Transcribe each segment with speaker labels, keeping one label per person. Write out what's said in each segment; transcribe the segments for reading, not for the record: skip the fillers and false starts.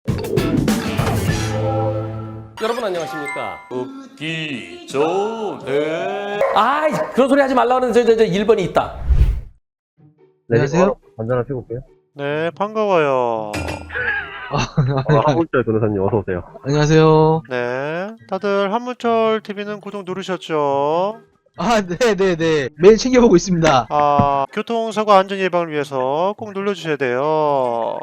Speaker 1: 여러분 안녕하십니까? 웃기 좋네. 아이 그런 소리 하지 말라는 저 1번이 있다.
Speaker 2: 네,
Speaker 3: 안녕하세요.
Speaker 2: 한잔 하시고 올게요.
Speaker 4: 네, 반가워요.
Speaker 2: 한국절 변호사님 어서 오세요.
Speaker 3: 안녕하세요.
Speaker 4: 네, 다들 한문철 TV는 구독 누르셨죠?
Speaker 3: 아, 네네네. 매일 챙겨보고 있습니다.
Speaker 4: 아, 교통사고 안전 예방을 위해서 꼭 눌러주셔야 돼요.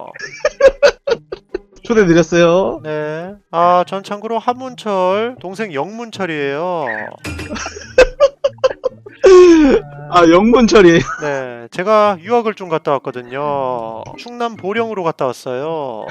Speaker 3: 초대드렸어요.
Speaker 4: 네, 아, 전 참고로 한문철 동생 영문철이에요.
Speaker 3: 아, 영문철이에요.
Speaker 4: 네, 제가 유학을 좀 갔다 왔거든요. 충남 보령으로 갔다 왔어요.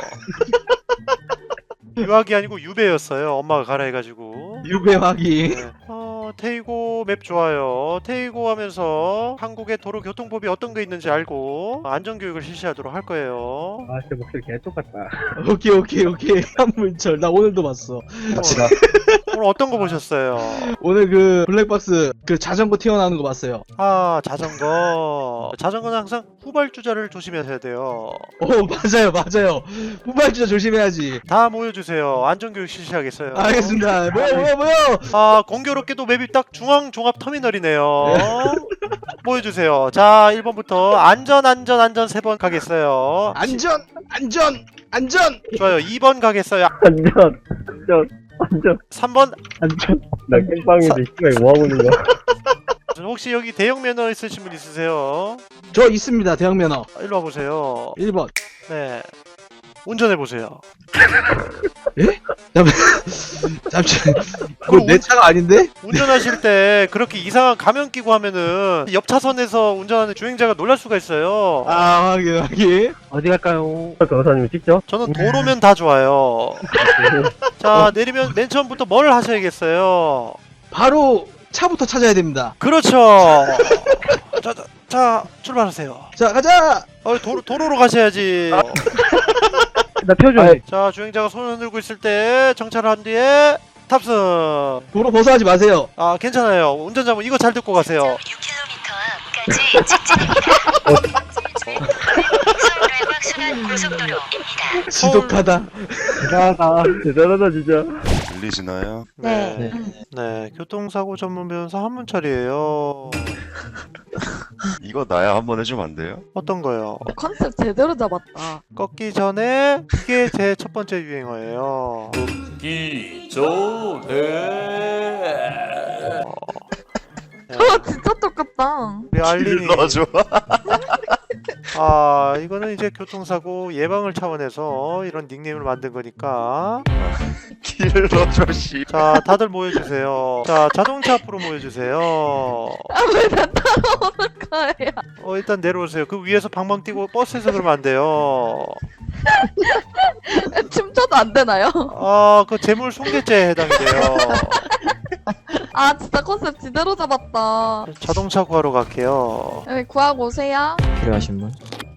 Speaker 4: 유학이 아니고 유배였어요. 엄마가 가라 해가지고.
Speaker 3: 유배화기.
Speaker 4: 네. 테이고 맵 좋아요. 테이고 하면서 한국의 도로교통법이 어떤 게 있는지 알고 안전교육을 실시하도록 할 거예요.
Speaker 2: 아, 진짜 목소리 개 똑같다.
Speaker 3: 오케이. 한문철. 나 오늘도 봤어.
Speaker 2: 갑시다.
Speaker 4: 오늘 어떤 거 보셨어요?
Speaker 3: 오늘 그 블랙박스 그 자전거 튀어나오는 거 봤어요.
Speaker 4: 아, 자전거. 자전거는 항상 후발주자를 조심하셔야 돼요.
Speaker 3: 오, 맞아요. 후발주자 조심해야지.
Speaker 4: 다 모여주세요. 안전교육 실시하겠어요.
Speaker 3: 알겠습니다. 뭐야.
Speaker 4: 아, 공교롭게도 맵이 딱 중앙종합터미널이네요. 모여주세요. 자, 1번부터 안전 3번 가겠어요.
Speaker 3: 안전.
Speaker 4: 좋아요. 2번 가겠어요.
Speaker 2: 안전.
Speaker 4: 3번.
Speaker 2: 나 깽빵인데 시간이 뭐하고 있는 거야?
Speaker 4: 혹시 여기 대형 면허 있으신 분 있으세요?
Speaker 3: 저 있습니다. 대형 면허.
Speaker 4: 일로 와보세요.
Speaker 3: 1번.
Speaker 4: 네. 운전해보세요.
Speaker 3: 잠시. 그거 내 차가 아닌데?
Speaker 4: 운전하실 때 그렇게 이상한 가면 끼고 하면은 옆 차선에서 운전하는 주행자가 놀랄 수가 있어요.
Speaker 3: 아, 확인.
Speaker 2: 어디 갈까요? 변호사님이 직접?
Speaker 4: 저는 도로면 다 좋아요. 자, 내리면 맨 처음부터 뭘 하셔야겠어요?
Speaker 3: 바로 차부터 찾아야 됩니다.
Speaker 4: 그렇죠. 자, 출발하세요.
Speaker 3: 자, 가자.
Speaker 4: 도로로 가셔야지.
Speaker 2: 나 펴줘.
Speaker 4: 자, 주행자가 손을 흔들고 있을 때 정차를 한 뒤에 탑승.
Speaker 3: 도로 벗어나지 마세요.
Speaker 4: 아, 괜찮아요. 운전자분 이거 잘 듣고 가세요.
Speaker 5: 6km 앞까지 직진입니다. 서울과 순환 고속도로입니다.
Speaker 3: 지독하다.
Speaker 2: 대단하다 진짜.
Speaker 6: 들리시나요?
Speaker 4: 네. 네, 교통사고 전문 변호사 한문철이에요.
Speaker 6: 이거 나야 한번 해주면 안 돼요?
Speaker 4: 어떤 거요?
Speaker 7: 컨셉 제대로 잡았다.
Speaker 4: 꺾기 전에 이게 제 첫 번째 유행어예요.
Speaker 1: 웃기 좋네.
Speaker 7: 저 진짜 똑같다.
Speaker 4: 우리 알림이
Speaker 6: 길러줘.
Speaker 4: 아, 이거는 이제 교통사고 예방을 차원에서 이런 닉네임을 만든 거니까.
Speaker 6: 길러줘 씨.
Speaker 4: 자, 다들 모여주세요. 자, 자동차 앞으로 모여주세요.
Speaker 7: 왜 나 따라오는 거야?
Speaker 4: 일단 내려오세요. 그 위에서 방방 뛰고 버스에서 그러면 안 돼요.
Speaker 7: 춤춰도 안 되나요?
Speaker 4: 아, 그 재물 손괴죄에 해당이 돼요.
Speaker 7: 아 진짜 컨셉 제대로 잡았다.
Speaker 4: 자동차 구하러 갈게요.
Speaker 7: 여기 구하고 오세요.
Speaker 8: 필요하신 분?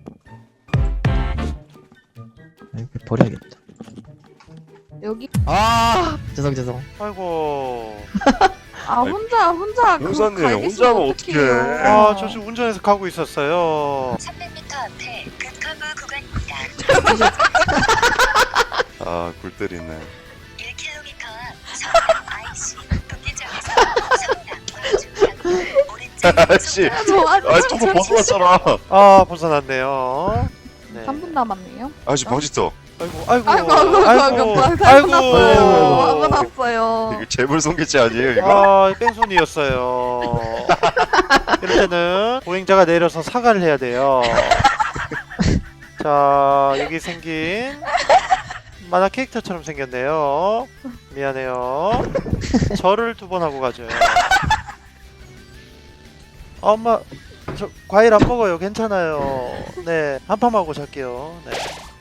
Speaker 8: 아이고, 버려야겠다.
Speaker 7: 여기.
Speaker 8: 아 죄송.
Speaker 4: 아이고.
Speaker 7: 아 혼자 그거
Speaker 6: 변호사님,
Speaker 7: 가
Speaker 6: 혼자
Speaker 7: 있으면
Speaker 6: 하면
Speaker 7: 어떡해요.
Speaker 6: 어떡해.
Speaker 4: 아, 저 지금 운전해서 가고 있었어요.
Speaker 5: 300m 앞에 급커브 구간입니다.
Speaker 6: 아, 굴 때리네.
Speaker 5: 1km 앞 서울역 IC 북기점에서 서울항과 중랑구 오른쪽
Speaker 6: 아씨.
Speaker 7: 저
Speaker 6: 아, 저거 벗어났잖아.
Speaker 4: 아, 벗어났네요. 네.
Speaker 7: 3분 남았네요.
Speaker 6: 아씨, 방지터.
Speaker 4: 아이고.
Speaker 7: 아이고 났어요.
Speaker 6: 이거 재물 손괴죄 아니에요, 이거?
Speaker 4: 아, 뺑소니였어요. 이럴 때는 보행자가 내려서 사과를 해야 돼요. 자, 여기 생긴 만화 캐릭터처럼 생겼네요. 미안해요. 절을 2번 하고 가줘요. 아, 엄마, 저 과일 안 먹어요. 괜찮아요. 네, 한 판 하고 잘게요. 네.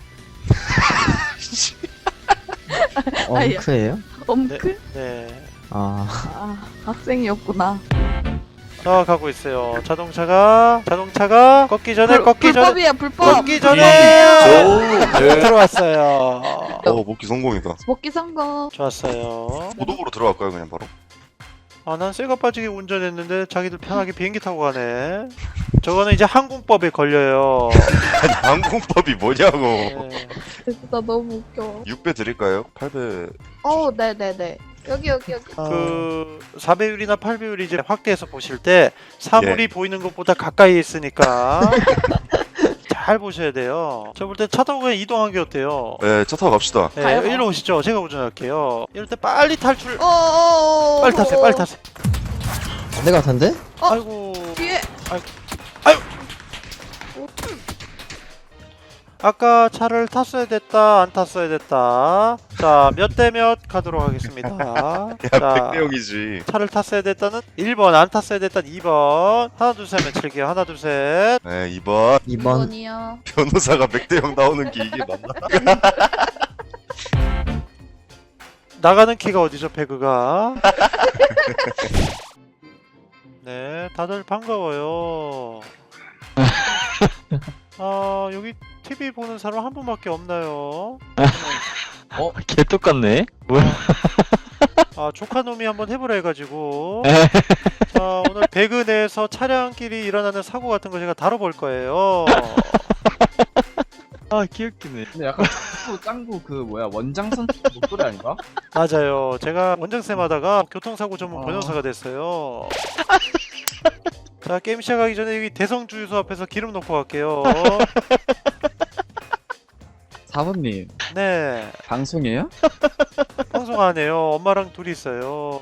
Speaker 8: 엉크예요?
Speaker 7: 엄크?
Speaker 4: 네.
Speaker 8: 아
Speaker 7: 아 학생이었구나.
Speaker 4: 자, 가고 있어요. 자동차가 꺾기 전에
Speaker 7: 불법이야 불법.
Speaker 4: 꺾기 전에
Speaker 1: 좋네.
Speaker 4: 들어왔어요.
Speaker 6: 목기 성공이다.
Speaker 7: 먹기 성공.
Speaker 4: 좋았어요.
Speaker 6: 고독으로 들어갈까요, 그냥 바로?
Speaker 4: 아, 난 쇠가 빠지게 운전했는데 자기들 편하게 비행기 타고 가네. 저거는 이제 항공법에 걸려요.
Speaker 6: 항공법이 뭐냐고.
Speaker 4: 네.
Speaker 7: 진짜 너무 웃겨.
Speaker 6: 6배 드릴까요? 8배.
Speaker 7: 네네네. 여기.
Speaker 4: 그 4배율이나 8배율이 이제 확대해서 보실 때 사물이 보이는 것보다 가까이 있으니까 잘 보셔야 돼요. 저 볼 때 차 타고 그냥 이동한 게 어때요?
Speaker 6: 네, 차 타고 갑시다.
Speaker 4: 네,
Speaker 7: 가요?
Speaker 4: 일로 오시죠. 제가 운전할게요. 이럴 때 빨리 탈출.
Speaker 7: 어어어.
Speaker 4: 빨리 타세요. 빨리 타세요.
Speaker 8: 내가 같은데?
Speaker 4: 아이고.
Speaker 7: 뒤에.
Speaker 4: 아까 차를 탔어야 됐다, 안 탔어야 됐다. 자, 몇 대 몇 가도록 하겠습니다.
Speaker 6: 야,
Speaker 4: 자,
Speaker 6: 백대형이지.
Speaker 4: 차를 탔어야 됐다는 1번, 안 탔어야 됐다는 2번. 하나, 둘, 셋, 칠게요. 하나, 둘, 셋.
Speaker 6: 네, 2번.
Speaker 8: 2번.
Speaker 7: 2번이요.
Speaker 6: 변호사가 백대형 나오는 게 이게 맞나?
Speaker 4: 나가는 키가 어디죠, 배그가? 네, 다들 반가워요. 아, 여기 TV 보는 사람 한 분밖에 없나요?
Speaker 9: 개 똑같네. 뭐야?
Speaker 4: 아, 조카놈이 한번 해보라 해가지고. 자, 오늘 배그 내에서 차량끼리 일어나는 사고 같은 거 제가 다뤄볼 거예요.
Speaker 9: 아, 귀엽기네.
Speaker 10: 근데 약간 짱구 그 뭐야 원장선 목소리 아닌가?
Speaker 4: 맞아요. 제가 원장쌤 하다가 교통사고 전문
Speaker 10: 아.
Speaker 4: 변호사가 됐어요. 자, 게임 시작하기 전에 여기 대성주유소 앞에서 기름 넣고 갈게요.
Speaker 10: 4번님
Speaker 4: 네,
Speaker 10: 방송이에요?
Speaker 4: 방송 안 해요. 엄마랑 둘이 있어요.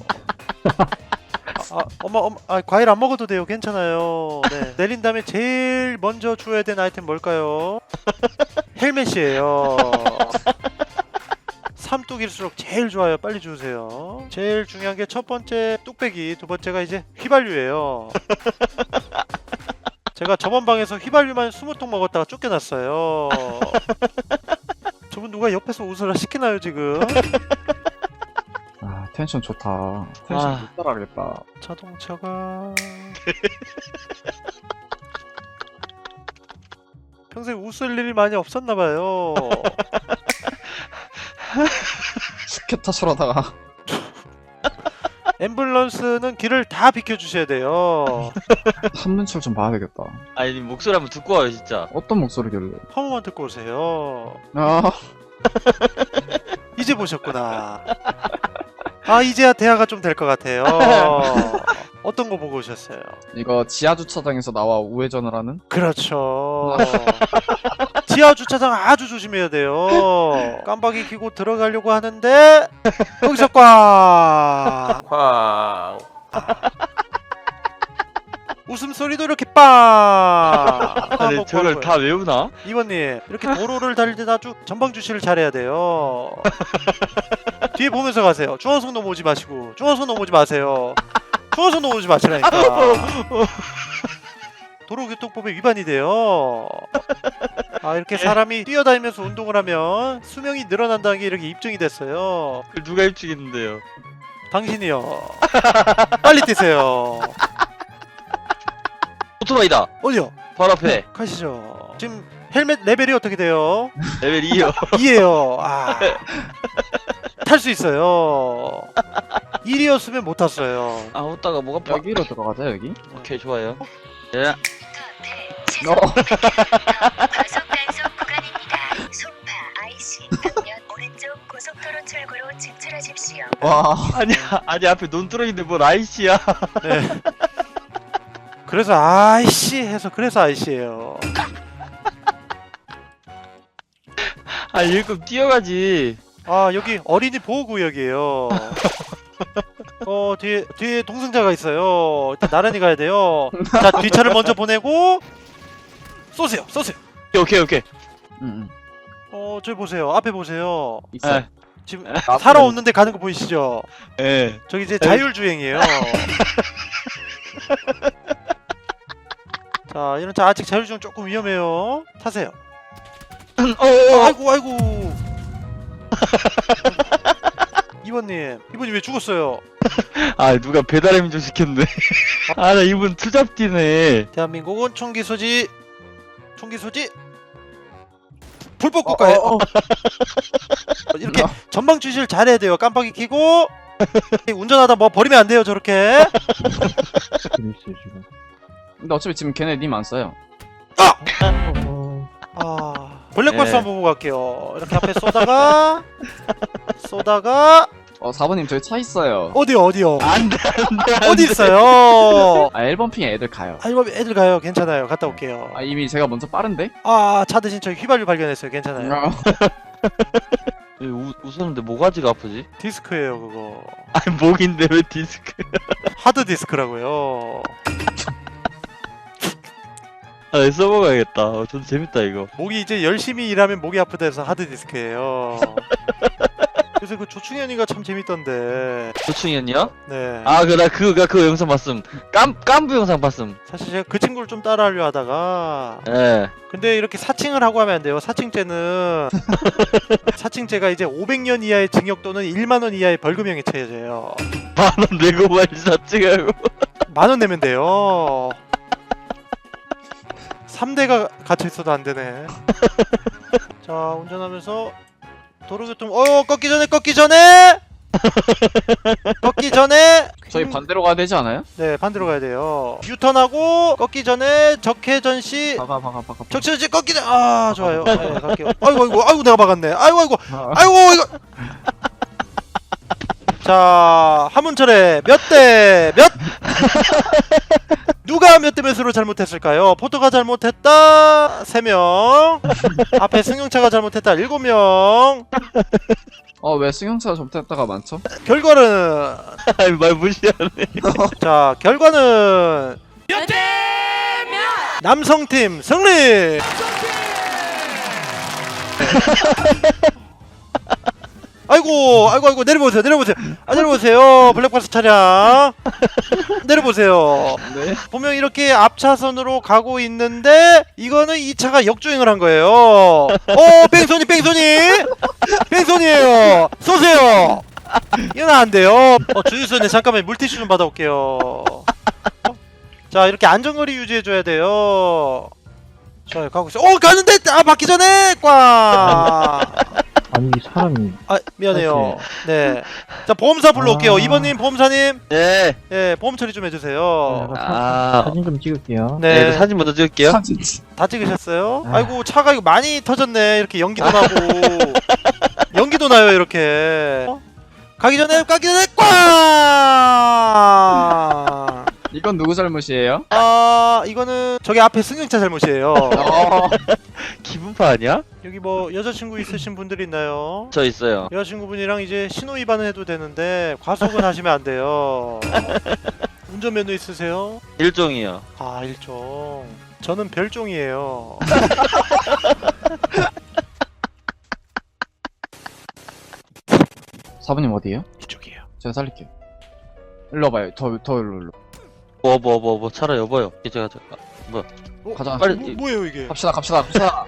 Speaker 4: 엄마, 과일 안 먹어도 돼요. 괜찮아요. 네. 내린 다음에 제일 먼저 주어야 되는 아이템 뭘까요? 헬멧이에요. 삼뚝일수록 제일 좋아요. 빨리 주세요. 제일 중요한 게 첫 번째 뚝배기, 두 번째가 이제 휘발유예요. 제가 저번 방에서 휘발유만 20통 먹었다가 쫓겨났어요. 저분 누가 옆에서 웃으라 시키나요 지금?
Speaker 10: 아 텐션 좋다. 텐션 못 따라가겠다.
Speaker 4: 자동차가 평생 웃을 일이 많이 없었나봐요.
Speaker 10: 스케타처러다가
Speaker 4: 앰뷸런스는 길을 다 비켜주셔야 돼요.
Speaker 10: 한문철 좀 봐야 되겠다.
Speaker 9: 아니, 목소리 한번 듣고 와요, 진짜.
Speaker 10: 어떤 목소리길래?
Speaker 4: 한 번만 듣고 오세요.
Speaker 10: 아
Speaker 4: 이제 보셨구나. 아, 이제야 대화가 좀 될 것 같아요. 어떤 거 보고 오셨어요?
Speaker 10: 이거 지하 주차장에서 나와 우회전을 하는?
Speaker 4: 그렇죠. 지하 주차장 아주 조심해야 돼요. 깜빡이 켜고 들어가려고 하는데 여기서 꽝.
Speaker 1: 쾅.
Speaker 4: 웃음소리도 이렇게 빵.
Speaker 9: 아니, 저걸 다 외우나?
Speaker 4: 이번님 이렇게 도로를 달릴 때 아주 전방 주시를 잘해야 돼요. 뒤에 보면서 가세요. 중앙선 넘어오지 마시고. 중앙선 넘어오지 마세요. 중앙선 넘어오지 마시라니까. 도로교통법에 위반이 돼요. 아, 이렇게 사람이 뛰어다니면서 운동을 하면 수명이 늘어난다는 게 이렇게 입증이 됐어요.
Speaker 9: 그걸 누가 입증했는데요?
Speaker 4: 당신이요. 빨리 뛰세요.
Speaker 9: 오토바이다.
Speaker 4: 어디요?
Speaker 9: 바로 앞에.
Speaker 4: 가시죠. 지금 헬멧 레벨이 어떻게 돼요?
Speaker 9: 레벨 2요.
Speaker 4: 2예요. 아. 탈 수 있어요. 1이었으면 못 탔어요.
Speaker 9: 아, 웃다가 목 아파.
Speaker 10: 여기로 들어가자 여기.
Speaker 9: 오케이, 좋아요. 예.
Speaker 5: 과속 단속 구간입니다. 송파 IC 방면 오른쪽 고속도로 출구로 진출하십시오.
Speaker 10: 와
Speaker 9: 아니, 앞에 논 뚫어있는데 뭘 아이씨야.
Speaker 4: 네. 그래서 아이씨 해서 그래서 아이씨예요.
Speaker 9: 아, 일급 뛰어가지.
Speaker 4: 아, 여기 어린이 보호구역이에요. 뒤에 동승자가 있어요. 일단 나란히 가야 돼요. 자, 뒷차를 먼저 보내고 쏘세요.
Speaker 9: 오케이.
Speaker 10: 응.
Speaker 4: 저기 보세요. 앞에 보세요.
Speaker 10: 있어.
Speaker 9: 예.
Speaker 4: 지금 사람 없는데 가는 거 보이시죠?
Speaker 9: 예.
Speaker 4: 저기 이제 자율주행이에요. 자, 이런 차 아직 자율주행 조금 위험해요. 타세요. 아이고. 이번님 왜 죽었어요?
Speaker 9: 아, 누가 배달의 민족 시켰네. 아, 나 이분 투잡디네.
Speaker 4: 대한민국은 총기 소지 불법 국가예요. 이렇게 전방 주시를 잘해야 돼요. 깜빡이 켜고 운전하다 뭐 버리면 안 돼요 저렇게.
Speaker 2: 재밌어요 지금.
Speaker 10: 근데 어차피 지금 걔네 님 안 써요.
Speaker 4: 블랙박스
Speaker 9: 네.
Speaker 4: 한번 보고 갈게요. 이렇게 앞에 쏘다가
Speaker 10: 4번님 저기 차 있어요.
Speaker 4: 어디요?
Speaker 9: 안돼
Speaker 4: 어디 있어요?
Speaker 10: 1번 핑에 애들 가요.
Speaker 4: 이거 애들 가요. 괜찮아요. 갔다 올게요.
Speaker 10: 이미 제가 먼저 빠른데?
Speaker 4: 차 대신 저희 휘발유 발견했어요. 괜찮아요.
Speaker 9: 웃었는데 모가지가 아프지?
Speaker 4: 디스크예요 그거.
Speaker 9: 아니 목인데 왜 디스크?
Speaker 4: 하드 디스크라고요.
Speaker 9: 아 써먹어야겠다. 좀 재밌다 이거.
Speaker 4: 목이 이제 열심히 일하면 목이 아프다 해서 하드 디스크예요. 그래서 그 조충현이가 참 재밌던데.
Speaker 9: 조충현이요?
Speaker 4: 네.
Speaker 9: 나 그거 영상 봤음. 깐부 영상 봤음.
Speaker 4: 사실 제가 그 친구를 좀 따라하려 하다가
Speaker 9: 예.
Speaker 4: 근데 이렇게 사칭을 하고 하면 안 돼요. 사칭죄는 사칭죄가 이제 500년 이하의 징역 또는 1만 원 이하의 벌금형에 처해져요.
Speaker 9: 만원 내고 말지 사칭하고.
Speaker 4: 10,000원 내면 돼요. 3대가 갇혀 있어도 안 되네. 자, 운전하면서 도로교통 꺾기 전에
Speaker 10: 저희 반대로 가야 되지 않아요?
Speaker 4: 네, 반대로 가야 돼요. 유턴하고 꺾기 전에 적회전 시
Speaker 10: 박아.
Speaker 4: 적회전 시 꺾기 전 좋아요. 네, 갈게요. 아이고 내가 박았네. 아이고 이거 자, 하문철의 몇 대 몇? 누가 몇 대 몇으로 잘못했을까요? 포토가 잘못했다 3명, 앞에 승용차가 잘못했다 7명.
Speaker 10: 왜 승용차가 잘못했다가 많죠?
Speaker 4: 결과는
Speaker 9: 아니 말 무시하네.
Speaker 4: 자, 결과는 몇 대 몇? 남성팀 승리. 아이고 내려보세요. 내려보세요. 블랙박스 차량 내려보세요.
Speaker 10: 네.
Speaker 4: 분명 이렇게 앞차선으로 가고 있는데 이거는 이 차가 역주행을 한 거예요. 뺑소니예요. 쏘세요. 이건 안 돼요. 주유소에 잠깐만 물티슈 좀 받아올게요. 자, 이렇게 안전거리 유지해줘야 돼요. 좋아요, 가고 있어요. 가는데 받기 전에 꽝.
Speaker 2: 아니 이 사람이
Speaker 4: 미안해요. 네. 자, 보험사 불러올게요. 2번님, 보험사님.
Speaker 9: 네.
Speaker 4: 예, 보험 처리 좀 해주세요.
Speaker 2: 사진 좀 찍을게요.
Speaker 9: 네.
Speaker 4: 네.
Speaker 9: 사진 먼저 찍을게요.
Speaker 10: 사진.
Speaker 4: 다 찍으셨어요? 아이고, 차가 이거 많이 터졌네. 이렇게 연기도 나고. 연기도 나요, 이렇게. 가기 전에 꽝!
Speaker 10: 이건 누구 잘못이에요?
Speaker 4: 이거는 저기 앞에 승용차 잘못이에요.
Speaker 9: 기분파 아니야?
Speaker 4: 여기 뭐 여자친구 있으신 분들 있나요?
Speaker 9: 저 있어요.
Speaker 4: 여자친구분이랑 이제 신호 위반을 해도 되는데 과속은 하시면 안 돼요. 운전면허 있으세요?
Speaker 9: 일종이요.
Speaker 4: 일종. 저는 별종이에요.
Speaker 10: 사부님 어디에요?
Speaker 4: 이쪽이에요.
Speaker 10: 제가 살릴게요. 일로 와봐요. 더 일로.
Speaker 9: 뭐 차라 여보요. 이제 가자.
Speaker 10: 가자.
Speaker 9: 빨리
Speaker 4: 뭐예요 이게?
Speaker 10: 갑시다. 갑시다.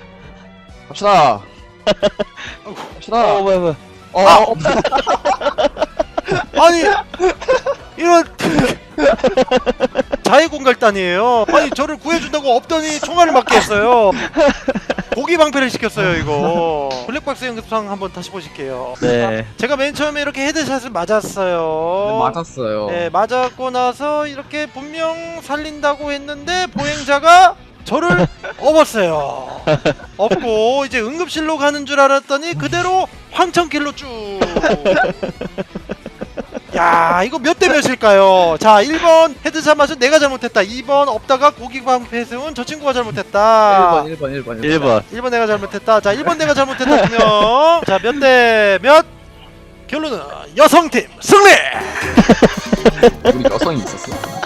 Speaker 9: 뭐야.
Speaker 4: 아니 이런 자해공갈단이에요. 아니 저를 구해준다고 없더니 총알을 맞게 했어요. 고기 방패를 시켰어요 이거. 블랙박스 연습상 한번 다시 보실게요.
Speaker 9: 네.
Speaker 4: 제가 맨 처음에 이렇게 헤드샷을 맞았어요.
Speaker 10: 맞았어요.
Speaker 4: 네, 맞았고 나서 이렇게 분명 살린다고 했는데 보행자가 저를 업었어요. 업고 이제 응급실로 가는 줄 알았더니 그대로 황천길로 쭉. 야, 이거 몇 대 몇일까요? 자, 1번 헤드샷 맞은 내가 잘못했다. 2번 업다가 고기 방패 세운 저 친구가 잘못했다.
Speaker 10: 1번.
Speaker 4: 내가 잘못했다. 자, 1번 내가 잘못했다. 분명. 자, 몇 대 몇? 결론은 여성팀 승리!
Speaker 10: 우리 여성이 있었어.